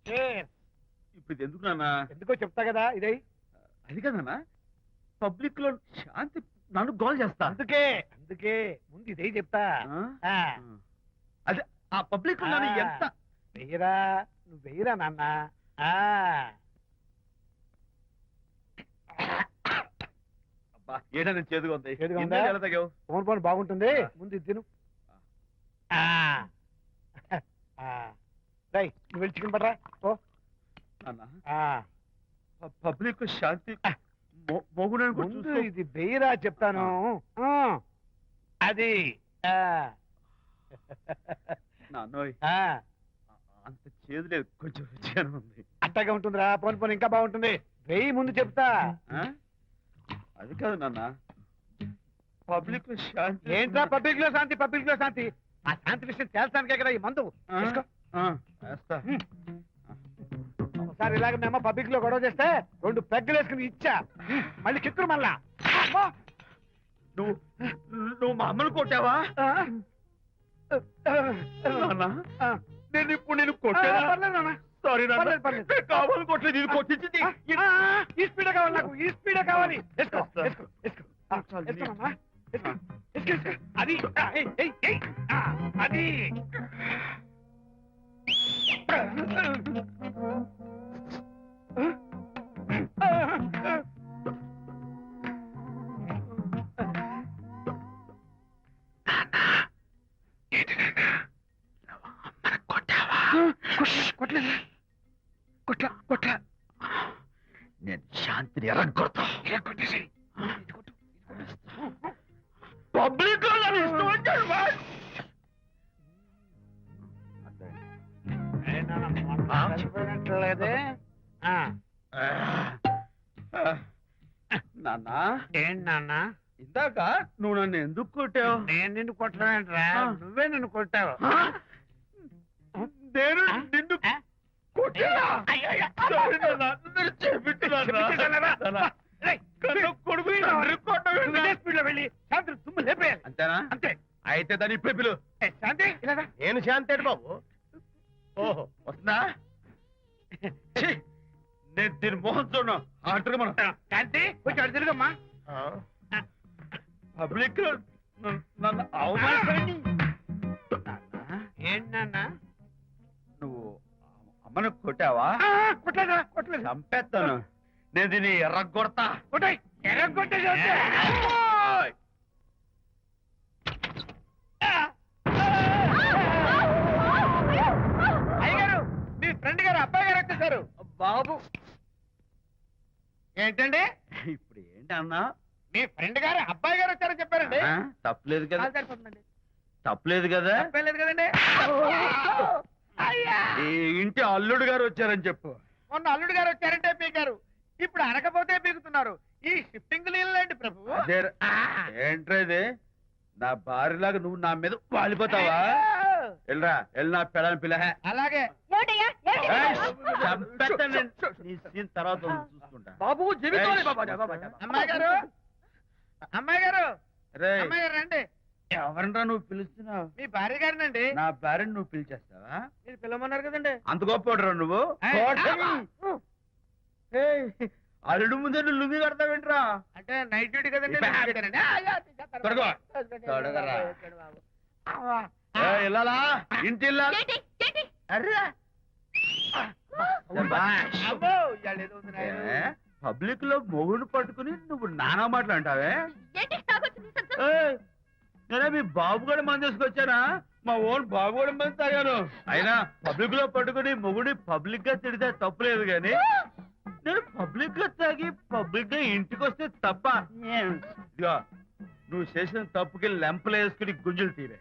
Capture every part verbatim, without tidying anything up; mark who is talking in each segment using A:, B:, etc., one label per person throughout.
A: ఇప్పుడు ఇది ఎందుకు నాన్న?
B: ఎందుకో చెప్తా కదా ఇదే.
A: అది కదన్నా, పబ్లిక్ లో శాంతి నన్ను గోల్ చేస్తా.
B: అందుకే అందుకే ముందు ఇదే చెప్తా.
A: అదే ఆ పబ్లిక్ లో నన్ను ఎంత
B: వెయ్యరా, నువ్వు వెయ్యరా నాన్న.
A: ఏడా నేను చేదుగా ఉంది.
B: ఫోన్ ఫోన్ బాగుంటుంది, ముందు ఇది తిను. రై నువ్వు వెళ్ళి చికెన్ పడరా. ఓ
A: పబ్లిక్ శాంతి
B: ముందు ఇది వెయ్యరా చెప్తాను. అది
A: నాన్నోయ్ అంత చేదు లేదు, కొంచెం రుచిగానే ఉంది.
B: అట్టగా ఉంటుందిరా, పోను పోను ఇంకా బాగుంటుంది. వెయ్యి ముందు చెప్తా.
A: అది కాదు నాన్న, పబ్లిక్ లో శాంతి.
B: ఏంట్రా పబ్లిక్ లో శాంతి? పబ్లిక్ లో శాంతి ఆ శాంతి విషయం తేల్చడానికే కదా ఈ మందు. ఒకసారి ఇలాగ మేము పబ్లిక్ లో గొడవ చేస్తే రెండు పెగ్గలు వేసుకుని ఇచ్చా, మళ్ళీ కిక్కురు మళ్ళా.
A: నువ్వు నువ్వు మా అమ్మను కొట్టావా? నేను ఇప్పుడు నేను కొట్టా. సారీ కావాలి కొట్టలేదు, ఇది కొట్టించింది.
B: ఈ స్పీడ్ కావాలి నాకు, ఈ స్పీడ్ కావాలి. అది అది కొట్టలేదు కొట్ల కొట్ల
A: నేను శాంతిని ఎరగొడతా.
B: కొట్టేసి
A: పబ్లిక్ లో ఇష్టం వచ్చాడు.
B: లేదే
A: నాన్న.
B: ఏంటి నాన్న?
A: ఇందాక నువ్వు నన్ను ఎందుకు కొట్టావు?
B: నేను నిన్ను కొట్టలేంట్రా, నువ్వే నిన్ను కొట్టావు.
A: నేను నిన్ను కొట్టా. అంతేనా?
B: అంతే.
A: అయితే దాని ఇప్పుడే పిలు.
B: శాంతి
A: నేను శాంతి బాబు. ఓహో వస్తుందా? నేను దీని మోహన్ చూడను. అంటారు మనం.
B: శాంతి కొంచెం తిరుగమ్మా.
A: పబ్లిక్ నన్ను అవమానించండి.
B: ఏంటి నాన్న?
A: నువ్వు అమ్మను కొట్టావా?
B: కొట్టలేదా? కొట్టలేదు.
A: చంపేస్తాను నేను, దీన్ని ఎర్రగొడతా.
B: కొట్టాయి ఎర్రగొట్టే. అయ్యగారు, మీ ఫ్రెండ్ గారు అబ్బాయి గారు వచ్చేసారు.
A: బాబు
B: ఏంటండి
A: ఇప్పుడు ఏంటి అన్నా?
B: మీ ఫ్రెండ్ గారు అబ్బాయి గారు వచ్చారని చెప్పారండి.
A: తప్పలేదు కదా? తప్పలేదు కదా?
B: తప్పలేదు కదండి.
A: ఈ ఇంటి అల్లుడు గారు వచ్చారని చెప్పు.
B: మొన్న అల్లుడు గారు వచ్చారంటే పీకారు, ఇప్పుడు అనకపోతే పీకుతున్నారు. ఈ షిఫ్టింగ్ లీలండి ప్రభు.
A: ఏంట్రేది? నా భార్యలాగా నువ్వు నా మీద వాలిపోతావా? వెళ్ళరా, వెళ్ళి నా పెళ్ళని పిల్ల.
B: అలాగే
A: తర్వాత చూసుకుంటా.
B: బాబు అమ్మాయి గారు, అమ్మాయి గారు, అమ్మాయి గారు రండి.
A: ఎవరన్నా నువ్వు పిలుస్తున్నావు?
B: మీ భార్య గారినండి.
A: నా భార్యను నువ్వు పిలిచేస్తావా?
B: మీరు పిలవమన్నారు కదండి.
A: అంత గొప్ప నువ్వు? అల్లుడు ముందే నువ్వు లుంగి కడతావేంట్రా?
B: అంటే నైట్ డ్యూటీ కదండి.
A: వెళ్ళాలా ఇంటి పబ్లిక్ లో మొగుడు పట్టుకుని నువ్వు నానా మాటలు అంటావే? నేనే మీ బాబు కూడా మంది తీసుకొచ్చానా? మా ఓన్ బాబు కూడా మంది తాగాను. అయినా పబ్లిక్ లో పట్టుకుని మొగుడి పబ్లిక్ గా తిడితే తప్పులేదు గాని, నేను పబ్లిక్ గా తాగి పబ్లిక్ గా ఇంటికి వస్తే తప్ప. ఇదిగో నువ్వు చేసిన తప్పుకి లెంపలు వేసుకుని గుంజులు తీరే.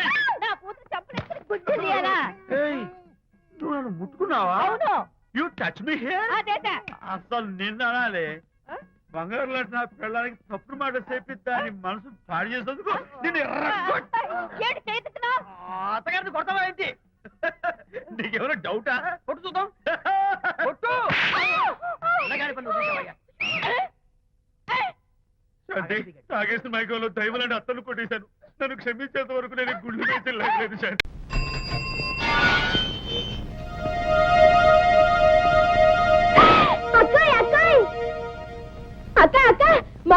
A: నువ్వు నన్ను ముట్టుకున్నావా? You touch me here. అసలు నిన్న అనాలి. బంగారు లాంటి నా పిల్లలకి తప్పుడు మాట చెప్పి దాని మనసు పాడు చేసేందుకు నేను అత్తగారిని కొడతావా ఏంటి? నీకేమైనా డౌటా? కొట్టు చూద్దాం. కొట్టు. తాగేసిన మైకంలో దైవం లాంటి అత్తను కొట్టేశాను. నన్ను క్షమించేంత వరకు నేను గుళ్ళు వేసి లేదు శాంతి.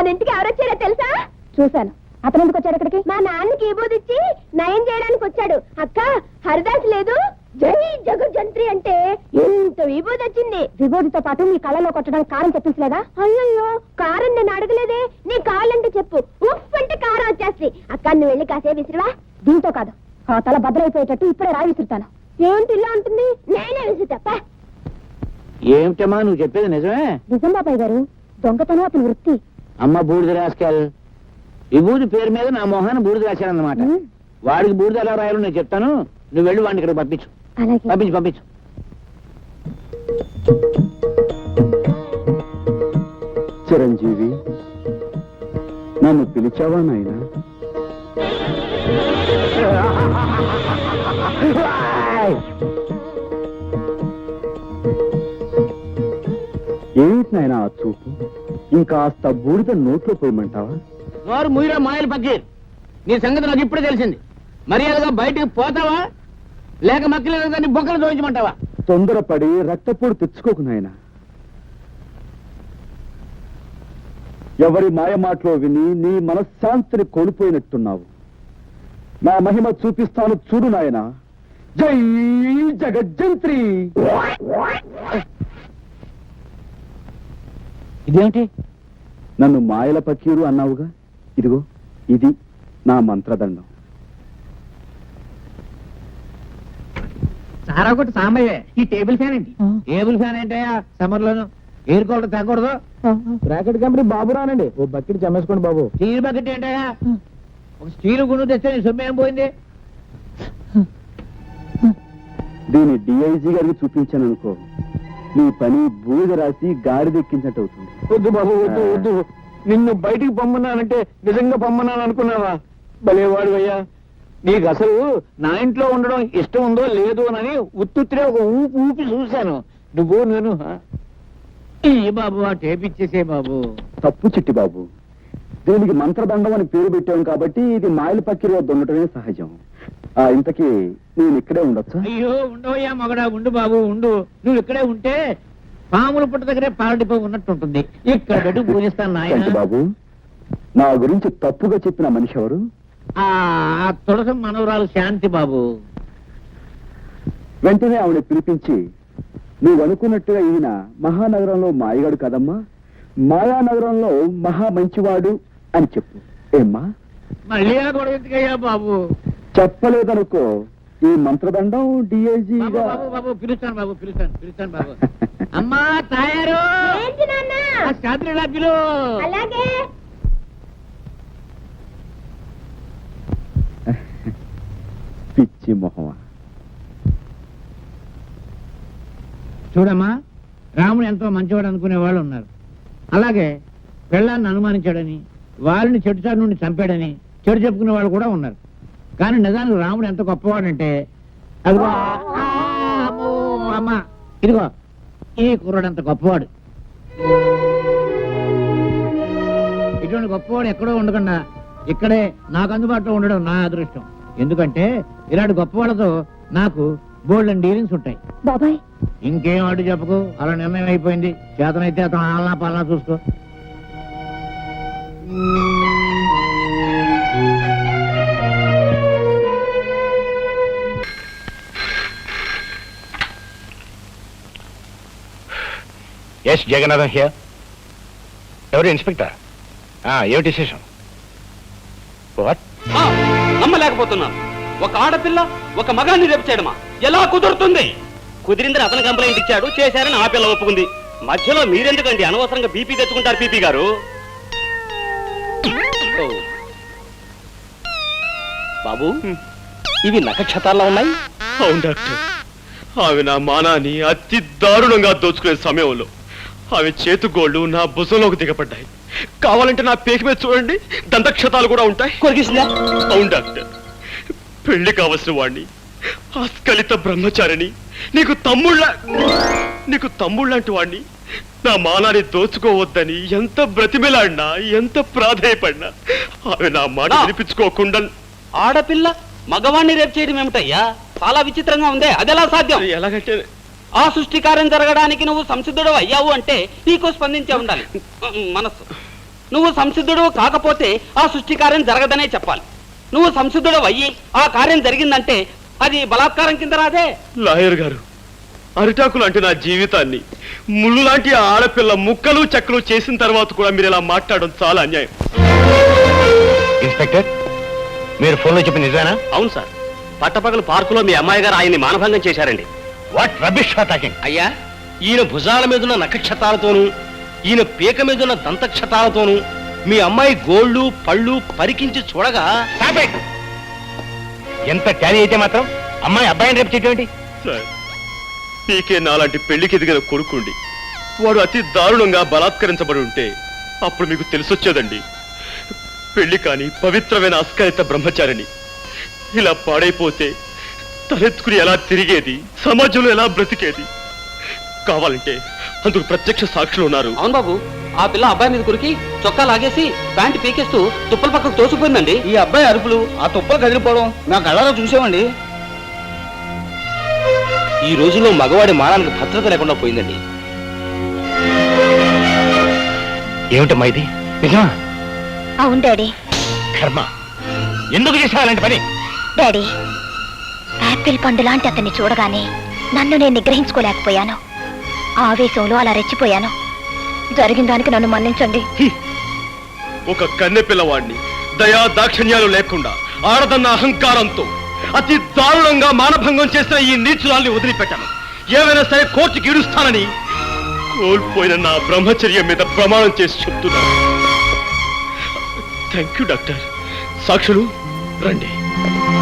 C: మన ఇంటికి ఎవరొచ్చారో తెలుసా? చూశాను. అతను ఎందుకు వచ్చాడు ఇక్కడికి? మా నాన్నకి విభూది ఇచ్చి నయం చేయడానికి వచ్చాడు. అక్క హరిదాస్ లేదు, జై జగజ్జంత్రి అంటే ఎంత విభూది వచ్చింది. విభూతితో పాటు నీ కళ్ళలో కొట్టడానికి కారం చెప్పించలేదా? అయ్యో కారం నేను అడగలేదే. నీ కాళ్ళంటే చెప్పు, ఉఫ్ అంటే కారం వచ్చేస్తుంది. అక్క నువ్వు వెళ్ళి కాసే విసిరివా. దీంతో కాదు, ఆ తల భద్రైపోయేటట్టు ఇప్పుడే రాయి విసురుతాను. ఏంటి ఇలా ఉంటుంది? నేనే విసురుతా.
D: ఏమిటమ్మా నువ్వు చెప్పేది నిజమే?
C: నిజం బాబాయ్ గారు, దొంగతనం అతని వృత్తి.
D: అమ్మ బూడిద రాసుకెళ్. విభూతి పేరు మీద నా మొహాన్ని బూడిద రాశానన్నమాట. వాడికి బూడిద ఎలా రాయాలో నేను చెప్తాను, నువ్వు వెళ్ళి వాడిని ఇక్కడ పంపించు.
C: అలాగే.
D: పంపించు పంపించు.
E: చిరంజీవి, నన్ను పిలిచావా నాయనా? ఏమిటి నాయనా ఆ చూపు? ఇంకాస్త బూడిద నోట్లో పోయమంటావా?
D: నోరు ముయిరా మాయలు పక్కీర్, నీ సంగతి నాకు ఇప్పుడే తెలిసింది. మర్యాదగా బయటికి పోతావా లేక మక్కలేదు దాన్ని బొక్కలు దోయించమంటావా?
E: తొందరపడి రక్తపోటు తెచ్చుకోకు నాయనా. ఎవరి మాయ మాటలో విని నీ మనశ్శాంతిని కోల్పోయినట్టున్నావు. నా మహిమ చూపిస్తాను చూడు నాయనా. జై జగజ్జంత్రి.
D: ఇదేమిటి?
E: నన్ను మాయల పకీరు అన్నావుగా, ఇదిగో ఇది నా మంత్రదండం.
D: సారా కొట్టు సాంబయ్య, ఈ టేబుల్ ఫ్యాన్ ఏంటి? టేబుల్ ఫ్యాన్ ఏంటయ్యా సమ్మర్ లోను ఎయిర్ కూలర్ తగ్గకూడదు.
E: బ్రాకెట్ కంపెనీ బాబు రానండి, ఓ బకెట్ చమ్మేసుకోండి బాబు.
D: స్టీల్ బకెట్ ఏంటయ్యా? ఒక స్టీల్ గుండు తెస్తే నీ సొమ్ము ఏం పోయింది?
E: దీన్ని డిఐజీ గారికి చూపించాను అనుకో, నీ పని బూడిద రాసి గాడిదెక్కించినట్టు అవుతుంది.
B: వద్దు బాబు, వద్దు వద్దు. నిన్ను బయటికి పొమ్మన్నానంటే నిజంగా పొమ్మన్నాను అనుకున్నావా? భలేవాడు అయ్యా. నీకు అసలు నా ఇంట్లో ఉండడం ఇష్టం ఉందో లేదో అని ఉత్తుత్తిరే ఒక ఊపి ఊపి చూశాను. నువ్వు నేను
D: ఈ బాబు ఆ టేప్ ఇచ్చేసే బాబు.
E: తప్పు చిట్టి బాబు, దీనికి మంత్రదండం అని పేరు పెట్టాం కాబట్టి ఇది మాయల పక్కిరి వద్ద ఉండటమే సహజం. ఆ ఇంతకీ నేను ఇక్కడే ఉండొచ్చా?
D: అయ్యో ఉండవయ్యా మగడా, ఉండు బాబు ఉండు. నువ్వు ఇక్కడే ఉంటే పాముల పుట్ట దగ్గరే పాలడిపో ఉన్నట్టు ఉంటుంది. ఇక్కడ పెట్టి పూజిస్తాను
E: ఏంటి
D: నాయన.
E: బాబు, నా గురించి తప్పుగా చెప్పిన మనిషి ఎవరు?
D: ఆ తులసం మనవరాలు శాంతి బాబు.
E: వెంటనే ఆవిడ పిలిపించి, నువ్వు అనుకున్నట్టుగా ఈయన మహానగరంలో మాయగాడు కదమ్మా, మాయానగరంలో మహా మంచివాడు అని చెప్పు. ఏమ్మా?
D: మళ్ళీ ఆ గొడవ ఎందుకయ్యా బాబు?
E: చెప్పలేదనుకో, ఈ మంత్రదండం
D: బాబు
E: డిఐజీగా
D: బాబు బాబు పిలుస్తాను బాబు, పిలుస్తాను పిలుస్తాను బాబు. అమ్మా తయారు
C: ఏంటి నాన్న?
D: ఆ శాంతి పిలు.
C: అలాగే.
E: పిచ్చి మొహమా.
D: చూడమ్మా, రాముడు ఎంతో మంచివాడు అనుకునే వాళ్ళు ఉన్నారు. అలాగే పెళ్ళాన్ని అనుమానించాడని, వారిని చెడుచాటు నుండి చంపాడని చెడు చెప్పుకునే వాళ్ళు కూడా ఉన్నారు. కానీ నిజానికి రాముడు ఎంత గొప్పవాడంటే, అదిగో ఆ, అమ్మో, అమ్మ ఇదిగో ఈ కుర్రాడు అంత గొప్పవాడు. ఇటువంటి గొప్పవాడు ఎక్కడో ఉండకుండా ఇక్కడే నాకు అందుబాటులో ఉండడం నా అదృష్టం. ఎందుకంటే ఇలాంటి గొప్పవాళ్ళతో నాకు బోల్డ్ అండ్ డీలింగ్స్ ఉంటాయి.
C: బాబాయ్,
D: ఇంకేం అడ్డు చెప్పకు, అలా నిర్ణయం అయిపోయింది. చేతనైతే అతను ఆలనా పాలనా చూసుకో.
F: Yes Jagannatham here. ఎవరు ఇన్స్పెక్టర్? ఏమిటి విశేషం? వాట్?
G: నమ్మలేకపోతున్నాను. ఒక ఆడపిల్ల ఒక మగాన్ని రేపు చేయడమా? ఎలా కుదురుతుంది? కుదిరిందని అతను కంప్లైంట్ ఇచ్చాడు, చేశారని ఆ పిల్ల ఒప్పుకుంది. మధ్యలో మీరెందుకండి అనవసరంగా బీపీ తెచ్చుకుంటారు? పీపీ గారు ఓ. బాబు, ఇవి నక్షత్రాల్లో ఉన్నాయి.
A: అవును డాక్టర్, ఆమె నా మానాన్ని అతి దారుణంగా దోచుకునే సమయంలో ఆమె చేతుగోళ్లు నా భుజంలోకి దిగబడ్డాయి. కావాలంటే నా పేక మీద చూడండి, దంతక్షతాలు కూడా ఉంటాయి.
G: కొరికిసిందా?
A: అవును డాక్టర్, పెళ్లి కావలసిన వాణ్ణి, ఆస్కలిత బ్రహ్మచారిని, నీకు తమ్ముళ్ళ నీకు తమ్ముళ్ళంటి వాణ్ణి నా మానాన్ని దోచుకోవద్దని ఎంత బ్రతిమిలాడినా, ఎంత ప్రాధేయపడినా ఆమె నా మాట వినిపించుకోకుండా.
G: ఆడపిల్ల మగవాణ్ణి రేపు చేయడం ఏమిటయ్యా? చాలా విచిత్రంగా ఉందే. అదెలా సాధ్యం?
A: ఎలాగంటే
G: ఆ సృష్టి కార్యం జరగడానికి నువ్వు సంసిద్ధుడు అయ్యావు అంటే నీకు స్పందించే ఉండాలి మనస్సు. నువ్వు సంసిద్ధుడు కాకపోతే ఆ సృష్టి కార్యం జరగదనే చెప్పాలి. నువ్వు సంసిద్ధుడు అయ్యి ఆ కార్యం జరిగిందంటే అది బలాత్కారం కింద రాదే.
A: లాయర్ గారు, అరిటాకు లాంటి నా జీవితాన్ని ముళ్ళు లాంటి ఆ ఆడపిల్ల ముక్కలు చెక్కలు చేసిన తర్వాత కూడా మీరు ఇలా మాట్లాడడం చాలా అన్యాయం.
F: ఇన్స్పెక్టర్, మీరు ఫోన్లో చెప్పిన నిజానా?
G: అవును సార్, పట్టపగలు పార్కులో మీ అమ్మాయి గారు ఆయన్ని మానభంగం చేశారండి.
F: What rubbish talking?
G: అయ్యా, ఈయన భుజాల మీదున్న నక్షతాలతోనూ ఈయన పీక మీదున్న దంతక్షతాలతోనూ మీ అమ్మాయి గోళ్ళు పళ్ళు పరికించి చూడగా
F: Stop it! ఎంత ట్యాలీ అయితే మాత్రం అమ్మాయి అబ్బాయిని రేపు చేయటం
A: సార్, పీకే నాలాంటి పెళ్లికి ఎదిగిన కొడుకుండి వాడు అతి దారుణంగా బలాత్కరించబడి ఉంటే అప్పుడు మీకు తెలిసొచ్చేదండి. పెళ్లి కాని పవిత్రమైన అస్కరిత బ్రహ్మచారిని ఇలా పాడైపోతే తలెత్తుకుని ఎలా తిరిగేది, సమాజంలో ఎలా బ్రతికేది? కావాలంటే అందుకు ప్రత్యక్ష సాక్షులు ఉన్నారు.
G: అవును బాబు, ఆ పిల్ల అబ్బాయి మీద కురికి చొక్కా లాగేసి ప్యాంటు పీకేస్తూ తుప్పల పక్కకు తోసుకుపోయిందండి.
B: ఈ అబ్బాయి అరుపులు, ఆ తుప్పలు కదిలిపోవడం నా కళ్ళలో చూసామండి.
G: ఈ రోజుల్లో మగవాడి మానానికి భద్రత లేకుండా పోయిందండి.
F: ఏమిటమ్మా ఇది? నిజమా?
C: అవును డాడీ.
F: కర్మ, ఎందుకు చేసావు అలాంటి పని?
C: డాడీ, యాపిల్ పండు లాంటి అతన్ని చూడగానే నన్ను నేను నిగ్రహించుకోలేకపోయాను. ఆవేశంలో అలా రెచ్చిపోయాను. జరిగిన దానికి నన్ను మన్నించండి.
A: ఒక కన్నె పిల్లవాడిని దయా దాక్షిణ్యాలు లేకుండా ఆడదన్న అహంకారంతో అతి దారుణంగా మానభంగం చేసిన ఈ నీచురాల్ని వదిలిపెట్టాను. ఏమైనా సరే కోర్టుకి ఇడుస్తానని కోల్పోయిన నా బ్రహ్మచర్యం మీద ప్రమాణం చేసి చెప్తున్నాను. Thank you doctor. సాక్షులు రండి.